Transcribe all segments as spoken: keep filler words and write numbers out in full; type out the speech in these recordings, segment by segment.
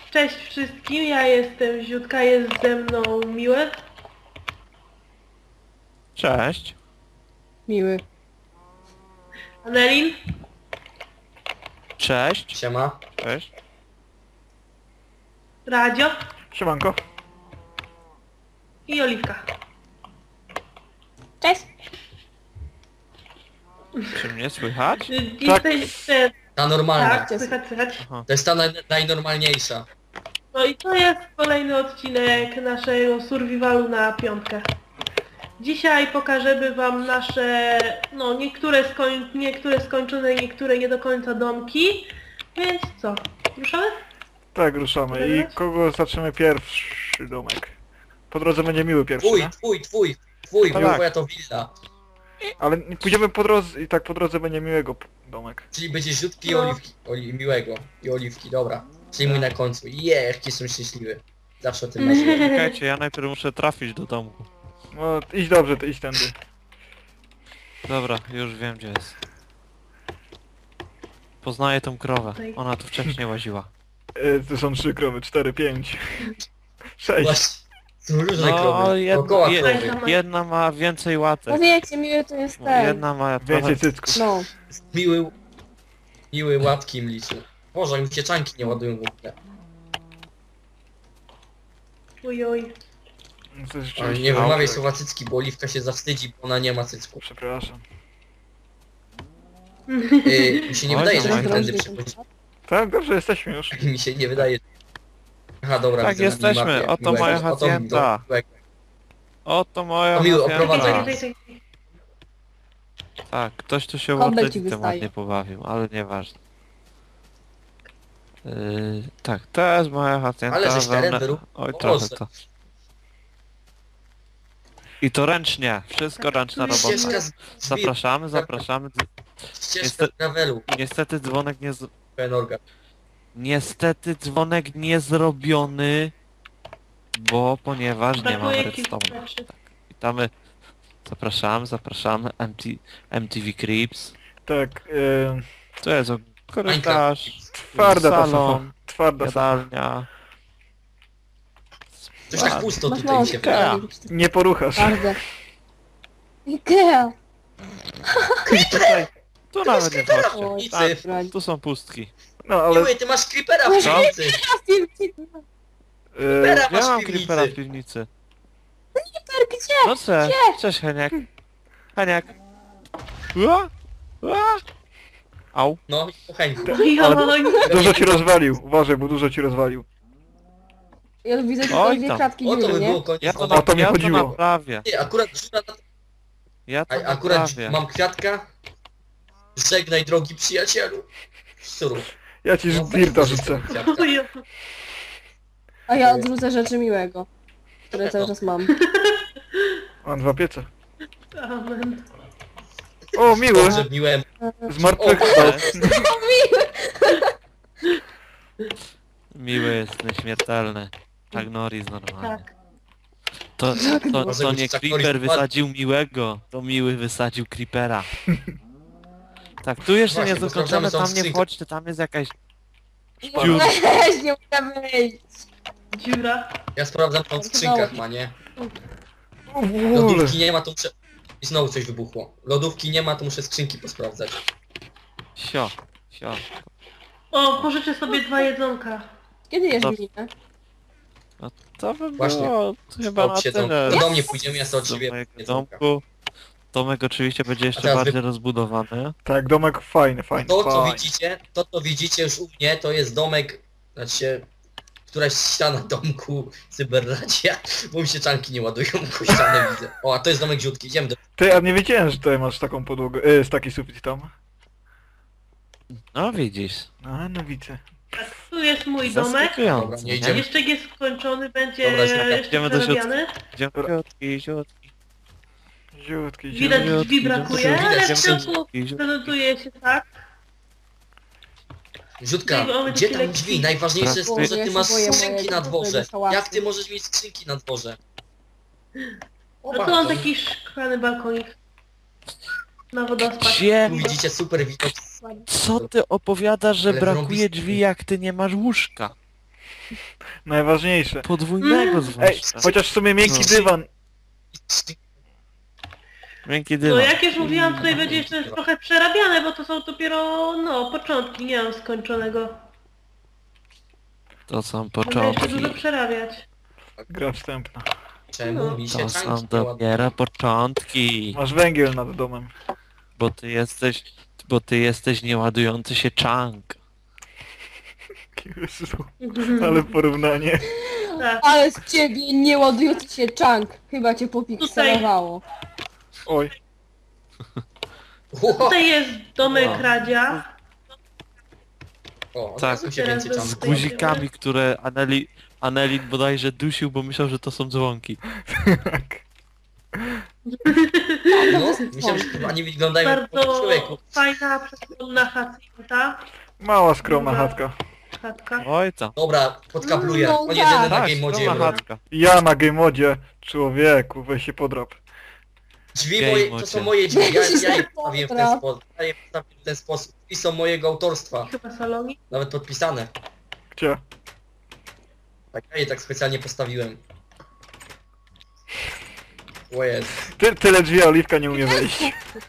Cześć wszystkim, ja jestem Ziutka, jest ze mną Miły. Cześć. Miły. Anelin. Cześć. Siema. Cześć. Radzio Siemanko. i Oliwka. Cześć. Czy mnie słychać? Jesteście... Ta normalna. Tak, słychać, słychać. To jest ta naj, najnormalniejsza. No i to jest kolejny odcinek naszego survivalu na piątkę. Dzisiaj pokażemy wam nasze, no niektóre, skoń, niektóre skończone, niektóre nie do końca domki. Więc co, ruszamy? Tak, ruszamy. I kogo zaczniemy pierwszy domek? Po drodze będzie Miły pierwszy, Twój, nie? twój, twój, twój, Tak. bo moja to willa. Ale nie- pójdziemy po drodze i tak po drodze będzie Miłego p- domek. Czyli będzie rzutki i No. oliwki. Oli, miłego. I oliwki, dobra. Czyli mój na końcu. Je, jaki jestem szczęśliwy. Zawsze o tym marzyłem. Czekajcie, ja najpierw muszę trafić do domku. No idź dobrze, to idź tędy. Dobra, już wiem gdzie jest. Poznaję tą krowę. Ona tu wcześniej łaziła. E, to są trzy krowy, cztery, pięć. Sześć. Właśnie. Są różne No, krowy. jed, Dookoła je, krowy. jedna ma więcej łatek. No wiecie, Miły to jest No, ten. jedna ma Więcej trochę... cycków. No. Miły... Miły łapki im liczył. Boże, mi się czanki nie ładują w ogóle. Oj, oj. No, to jest Ale rzeczywiście nie wymawiaj dobrze. słowa cycki, bo oliwka się zawstydzi, bo ona nie ma cycków. Przepraszam. Yy, mi się nie Oj, wydaje, że tam my jest tędy drożdżej przechodzimy. Tak, dobrze, jesteśmy już. Mi się nie wydaje. Aha, dobra, Tak, widzę na jesteśmy. minimapie. Oto Miłego, moja oto hacienda. miłego. Oto moja To miły, hacienda. oprowadzaj. Czekaj, czekaj, czekaj. Tak, ktoś tu się Kobel ci ładnie wystaje. ładnie pobawił, ale nieważne. Yy, tak, to jest moja hacienda. Ale żeś teren wełnę- wyrób- Oj, o trochę Boże. to. I to ręcznie, wszystko ręczna robota. Ścieżka z drzwi, Zapraszamy, zapraszamy. Dz- ścieżka Niestety- z gravelu. Niestety dzwonek nie z... Penorga. Niestety dzwonek nie zrobiony, bo ponieważ nie mam Brakuje kilku redstone'a. rzeczy. Witamy, zapraszamy, zapraszamy, M T, M T V Creeps. Tak, e, To jest o, korytarz, twarda ta sofa. salon, Twarda sofa. jadalnia. Coś tak pusto Masz tutaj mi się mączkę. wydaje. wydaje. Nie poruchasz. Bardzo. Ikea. Tutaj, tu nawet nie creepera chodźcie. w piwnicy. Tak, Brać. tu są pustki. No ale... Miły, ty masz creepera w Co? piwnicy. E, Creepera Ja masz mam w creepera w piwnicy. piwnicy. Gdzie? No co? Cześć Heniak. Heniak. Ua? Ua? Au. No, kochani. Oj, oj. dużo ci rozwalił. Uważaj, bo dużo ci rozwalił. Ja widzę tylko Oj dwie tam. kratki O to dziury, by nie? było koniec. Ja to, wody. O to mi ja to chodziło. naprawię. Ty, akurat dziura na... Ja to A, akurat naprawię. mam kwiatka. Żegnaj drogi przyjacielu. Surów. Ja ci No, dirta weź rzucę. kwiatka. Oj, oj. A ja odrzucę rzeczy Miłego. Które cały czas mam. Mam dwa piece. Amen. O, Miły! Dobrze, miłem. Zmartwychwstał. Miły jest nieśmiertelny. Chuck Norris normalnie. Tak. To, to, Może to być nie Chuck Creeper Norris wysadził Miłego, to Miły wysadził Creepera. Tak, tu jeszcze Właśnie, nie bo zakończone, sprawdzamy, co tam nie skrzynka. wchodźcie, tam jest jakaś... Weź, nie mogę wyjść. Dziura. Ja sprawdzam tą w skrzynkach, ma nie? O, w ogóle. Lodówki nie ma, to muszę... I znowu coś wybuchło. Lodówki nie ma, to muszę skrzynki posprawdzać. Sio, sio. O, pożyczę sobie dwa jedzonka. Kiedy jesz No. minę? To by Właśnie. było chyba na Stop się, to, tyle. to do mnie pójdziemy, ja sobie od Do ciebie mojego jedzonka. domku. Domek oczywiście będzie A jeszcze teraz bardziej wy- rozbudowany. Tak, domek fajny, fajny, To co fajny. widzicie, to co widzicie już u mnie, to jest domek, znaczy któraś ściana domku cyberradia, bo mi się czanki nie ładują, bo ścianę widzę. O, a to jest domek ziutki, idziemy do... Ty, a nie wiedziałem, że tutaj masz taką podłogę, e, z taki sufit tam. No widzisz. A, no widzę. Tak, tu jest mój domek. Zaskakujące, Dobra, nie nie? idziemy. Jeszcze nie skończony, będzie Dobra, śmiało. jeszcze Idziemy do przerabiany. Ziomkiutki, ziutki, Ziutki, Widać ziutki. drzwi brakuje, Widać, ale w że- środku ziutki. prezentuje się tak. Ziutka, Tutaj mamy gdzie takie tam lekki- drzwi? Najważniejsze jest to, że Ja ty się masz boję skrzynki mojego na dworze. hałasu. Jak ty możesz mieć skrzynki na dworze? O, No to mam bardzo. taki szklany balkonik. Na wodospad. Gdzie? Tu widzicie super widok. Co ty opowiadasz, że Ale brakuje wrąbisty. drzwi, jak ty nie masz łóżka? Najważniejsze. Podwójnego Ej, zwłaszcza. chociaż w sumie miękki No. dywan. Miękki No dywan. jak już mówiłam, tutaj będzie jeszcze trochę przerabiane, bo to są dopiero, no, początki, nie mam skończonego. To są Będę jeszcze początki. dużo przerabiać. Gra wstępna. Czemu mi się To są czanki nie ładują? dopiero początki. Masz węgiel nad domem. Bo ty jesteś... Bo ty jesteś nieładujący się chunk. Jezu, ale porównanie. Tak. Ale z ciebie nie ładujący się chunk. Chyba cię popikselowało. Oj, Ło! Tutaj jest domek No. Radzia. O, Tak. tak. się Teraz więcej bym- czanki Z guzikami, które Aneli... Anelin bodajże dusił, bo myślał, że to są dzwonki. tak. No, myślałem, że chyba nie wyglądają jak po Bardzo człowieku. fajna, przesłonna hacienda. Mała, skromna Dobra. chatka. Chatka. Oj tam. Dobra, podkabluję. No, On tak. jedyny na Tak, game modzie skromna jest. chatka. Ja na game modzie. Człowieku, weź się podrap. Drzwi Game moje, to modzie. są moje drzwi, ja, ja je Dobra. postawiłem w ten sposób. Ja je postawiłem w ten sposób. I są mojego autorstwa. Chyba saloni. Nawet podpisane. Gdzie? Tak, ja je tak specjalnie postawiłem. O jest. Ty, tyle drzwi, a Oliwka nie umie wejść.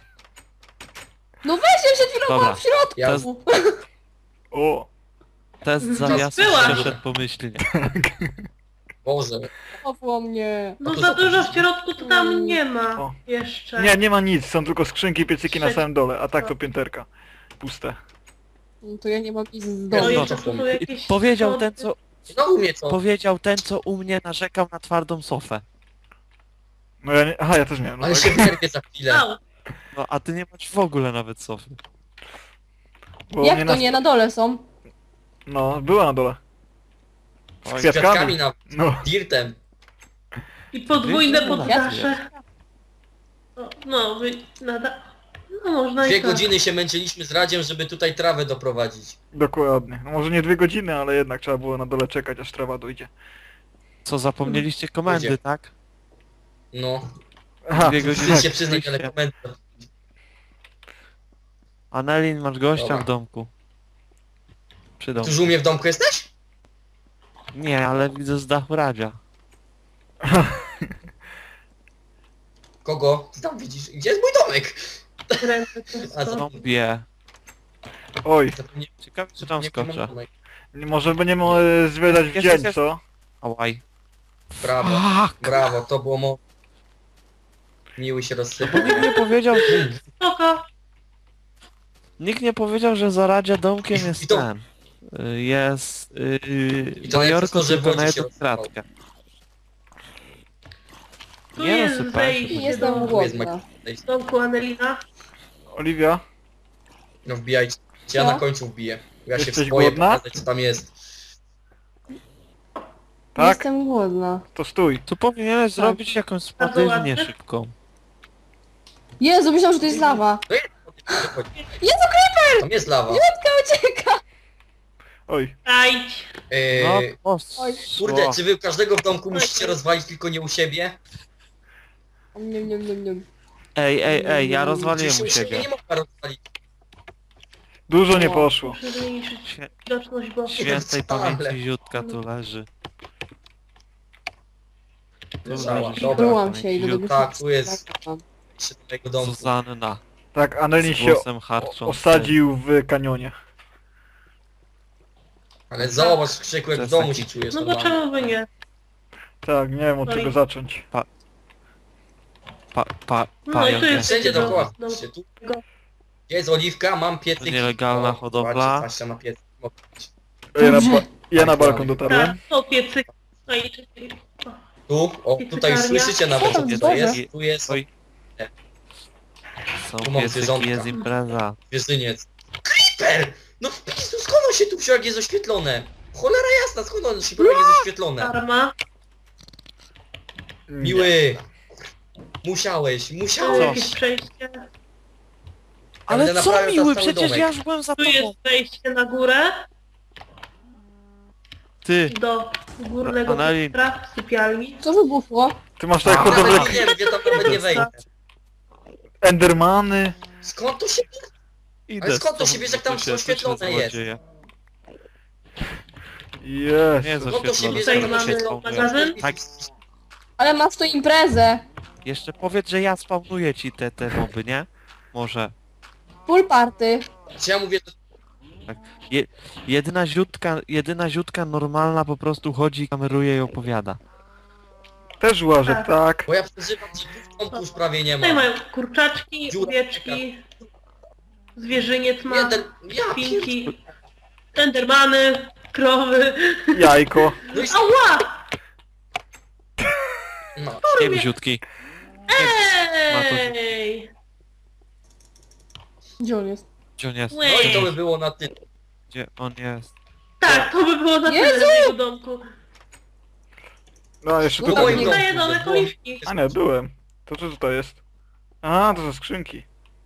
No weź się przed chwilą Dobra. była w środku. Ja O, Test zawiasu była. przeszedł pomyślnie. Boże. Złapło mnie. No A to za za- dużo w środku to tam nie ma O. jeszcze. nie, nie ma nic, są tylko skrzynki, piecyki na Trzeci. samym dole, a tak to pięterka. Puste. No to ja nie mam nic z No domu. i No jeszcze to tu są I jakieś... powiedział schody. ten, co... No u mnie co? Powiedział ten, co u mnie narzekał na twardą sofę. No ja nie... Aha, ja też miałem. No Ale tak. się wyrwie za chwilę. Au. No a ty nie masz w ogóle nawet sofy. Bo Jak mnie to nas- nie? Na dole są. No, była na dole. Z Oj, Z kwiatkami. kwiatkami na No. dirtem. I podwójne Wiecie, poddasze. No, no, wy... Nada... No można Dwie i tak. godziny się męczyliśmy z Radziem, żeby tutaj trawę doprowadzić. Dokładnie. No może nie dwie godziny, ale jednak trzeba było na dole czekać, aż trawa dojdzie. Co, zapomnieliście komendy, Ludzie. tak? No. Aha, Dwie godziny. Wstyd się przyznać, ale komentarz. Anelin, masz gościa Dobra. w domku. Przy domku. Tuż u mnie w domku jesteś? Nie, ale widzę z dachu Radzia. Kogo? Ty tam widzisz. Gdzie jest mój domek? Ręce A to co? Zombie. oj, Zapomnie- Ciekawe, czy tam zapomniałem skoczę. domek. może będziemy e, zwiedzać w Jest, dzień, jest, jest. co? Ałaj. Brawo, Fuck! brawo, to było mo... Miły się Bo rozsypał. nikt nie powiedział... spoko. Nikt nie powiedział, że za Radzia domkiem I- jest i to- ten. Y, Jest... Yy, I to Majorko najlepsze, że tylko na wodzie się jedną rozsypał. kratkę. Tu Nie jest rozsypałem się. wejście Jestem do Tu jest głodna. Mac- domku Anelina. Oliwia? No wbijajcie. Ja Co? na końcu wbiję. Ja się Jesteś boję głodna? pokazać, co tam jest. Tak? Jestem głodna. To stój. Tu powinieneś Tak. zrobić jakąś Bardzo spadywnię ładne. szybką. Jezu, myślałam, że to jest lawa. To jest... Jezu, Tam jest lawa. ucieka! Oj. Ajdź. No, Yy, poszło. kurde, czy wy każdego w domku musicie rozwalić, tylko nie u siebie? Niam, niam, niam, niam. Ej, ej, ej, ja rozwaliłem Przecież u u siebie siebie. nie można rozwalić. Dużo nie O. poszło. Muszę zmniejszyć Świe- widoczność, bo... Świętej wcale. pamięci Ziutka tu leży. Tu Leżała, leży dobra. Byłam się, idę do Ziutka. góry. Tak, tu jest. Jeszcze do mojego domku. Zuzanna. Tak, Anelin Z się głosem harczącym. osadził w kanionie. Ale zobacz, Krzyku, jak To w jest domu taki- się czujesz No to normalnie. czemu by nie? Tak, nie wiem od No czego i- zacząć. Pa, pa, No i pająk tu jest- jest. Wszędzie do- dookoła. do- Patrzcie, tu. Gdzie jest oliwka? Mam piecyk. To nielegalna O, hodowla. zobaczcie, patrzcie na piecyk. Ja na, ba ja na Tak, balkon tak. dotarłem. Tak, to piecyk. No i czekaj. O, Tu, o, tutaj już Piecykarnia. słyszycie nawet, Co co tam tutaj zboże? jest. Tu jest Oj. Są Tu mam piecyki, zwierzątka. jest impreza. zwierzyniec. Creeper! No w pisu, skąd on się tu wziął, jak jest oświetlone? Cholera jasna, skąd on się wziął, jak jest oświetlone? Karma. Nie. Miły! Musiałeś, Tu musiałeś! jakieś przejście. Ale będę co naprawiał miły, teraz cały przecież domek. ja już byłem za Tu tobą. jest wejście na górę. Ty, Do górnego Anelin. piętra w sypialni. Co wybuchło? Ty masz tak A. hodowlę Nawet nie wiem, ja tam nawet nie wejdę. Endermany. Skąd to się... idę Ale skąd to z się tobą, bierze, jak tam tu się- tu się oświetlone jest? złodzieje. Nie Jest. jest No to się oświetlone. bierze Tutaj na mamy początku. magazyn. Tak. Ale masz tu imprezę. Jeszcze powiedz, że ja spawnuję ci te, te moby, nie? Może. Full party. Czy ja mówię, że Je, jedyna ziutka, jedyna ziutka normalna po prostu chodzi, kameruje i opowiada. Też łażę, Tak. tak. bo ja przeżywam, że w domku już prawie nie ma. Tutaj mają kurczaczki, Dziura. owieczki, zwierzyniec ma, Jeden, ja świnki, endermany, krowy. Jajko. No i Ała! no. Nie wiem, ziutki. Ma to- Ej! Gdzie on jest? Gdzie on jest? no i to by było na tyle. Gdzie on jest? Tak, to by było na tyle Jezu! w jego domku. No, jeszcze No W tutaj. moim nie. domku, Daję domek że było- oliwki. A nie, byłem. To co tutaj jest? A, to są skrzynki.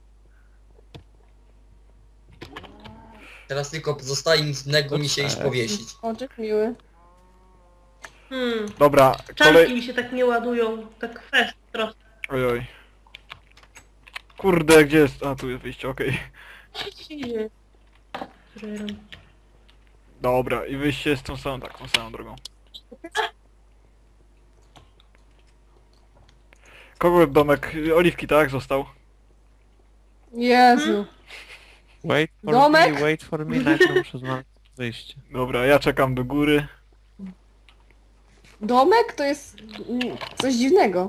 Teraz tylko pozostaje nic innego mi się iść powiesić. Oczek miły. Hmm. Dobra, Czanki kolej... mi się tak nie ładują, tak fest trochę. Oj, oj. Kurde, gdzie jest? A, tu jest wyjście, okej. Dobra, i wyjście jest tą samą, tak, tą samą drogą. Kogo domek? Oliwki, tak? Został. Jezu. Wait for Domek? me, wait for me, najpierw muszę znaleźć wyjście. Dobra, ja czekam do góry. Domek to jest mm, coś dziwnego.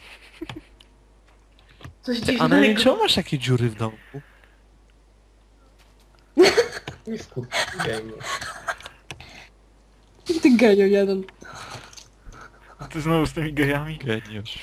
Coś A na nie dziwnego. czemu masz takie dziury w domku? Nie wkurwiaj mnie. Ty genio jeden. A ty znowu z tymi gejami? Geniusz.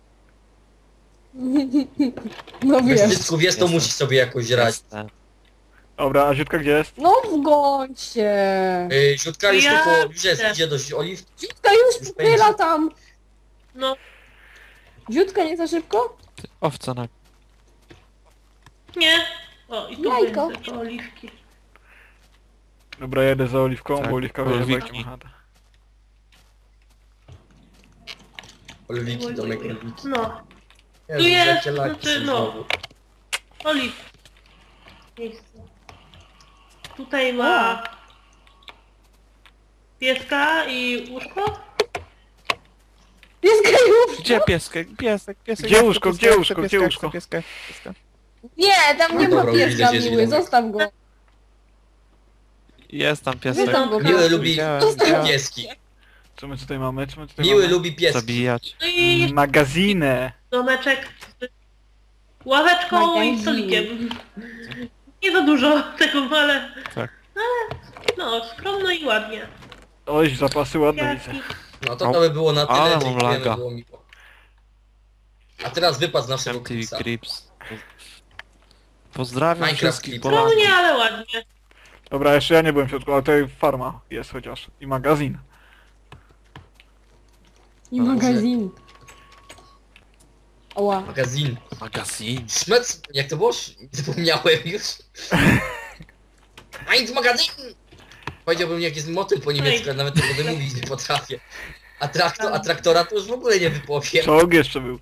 No Bez wiesz. cycków jest, to Jestem. musi sobie jakoś radzić. Jestem. Dobra, a Ziutka gdzie jest? No w gońcie. Yy, Ziutka już Ja tylko, już jest, chcę. idzie do oliwki. Dziutka już Już pyla tam. No, Dziutka nie za szybko? Ty, owca na... nie. O, i tu Jajko. będzie to oliwki. Dobra, jedę za Oliwką, Tak, bo Oliwka wie, Oliwki. jak ma chatę. Oliwiki, domek oliwiki. No, Jezu, jest, jakie laki znaczy, są no. znowu. oliw. Miejsce. Tutaj ma pieska i łóżko. Jest gejów. Gdzie piesek? Piesek, piesek. Gdzie ja chcę łóżko, pieska, gdzie ja chcę łóżko, pieska, gdzie ja chcę łóżko? Pieska, ja chcę pieska. Nie, tam nie No ma dobra, pieska widzę, gdzie miły, jest zostaw go. Jest tam piesek. Zostaw go. Miły lubi Widziałem, Zostaw widziałem. pieski. Co my tutaj mamy? Co my tutaj Miły mamy? lubi pieski. Zabijać. No i jeszcze Magazinę! domeczek z ławeczką i Magazin. stolikiem. Nie za dużo tego, ale... Tak. Ale no, skromno i ładnie. Oj, zapasy ładne widzę. Kwiatki. No to to by było na tyle, Ale mam dziękujemy, laga. było miło. A teraz wypad z naszego M T V klipsa. Crips. Pozdrawiam Minecraft wszystkich Clips. Polaków. Skromnie, ale ładnie. Dobra, jeszcze ja nie byłem w środku, ale tutaj farma jest chociaż. I magazyn. I No, magazyn. Oła. Magazyn. Magazyn. Szmec, jak to było? Sz- Zapomniałem już. Eins magazyn! Powiedziałbym jak jest motyl po niemiecku, ale nawet tego wymówić nie potrafię. A, traktor, a traktora to już w ogóle nie wypowiem. Czołg jeszcze był.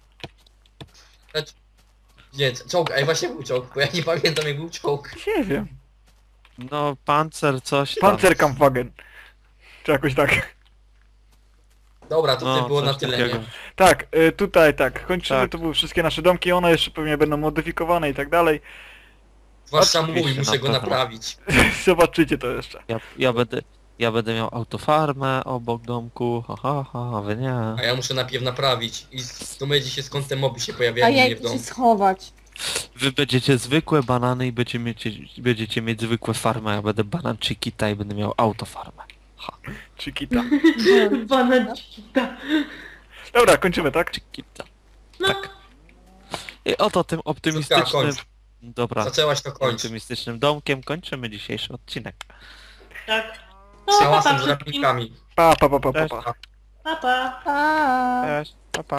Nie, czołg, ej właśnie był czołg, bo ja nie pamiętam jak był czołg. Nie wiem. No, pancer, coś tam. Panzerkampfwagen. Czy jakoś tak. Dobra, to No, no, było coś na tyle, takiego. nie? Tak, y, tutaj tak. Kończymy, Tak. to były wszystkie nasze domki, one jeszcze pewnie będą modyfikowane i tak dalej. Zwłaszcza Oczywiście, mój, muszę na go pewno. naprawić. Zobaczycie to jeszcze. Ja, ja będę... Ja będę miał autofarmę obok domku, ha ha ha, a wy nie. A ja muszę najpierw naprawić i z- to będzie się skąd te moby się A pojawiają u ja mnie w idę się domu. schować. Wy będziecie zwykłe banany i będziecie mieć, będziecie mieć zwykłe farmy, a ja będę banan Chiquita i będę miał autofarmę. Chiquita. Banacita. Dobra, kończymy, tak? Chiquita. No, Tak. I oto tym optymistycznym... kończ. Dobra, Zaczęłaś to kończyć. optymistycznym domkiem kończymy dzisiejszy odcinek. tak. No, Z pa, hałasem pa, z wszystkim. rapnikami. Pa, pa, pa, pa, pa. Cześć. pa. Pa, pa. A. Cześć, pa pa.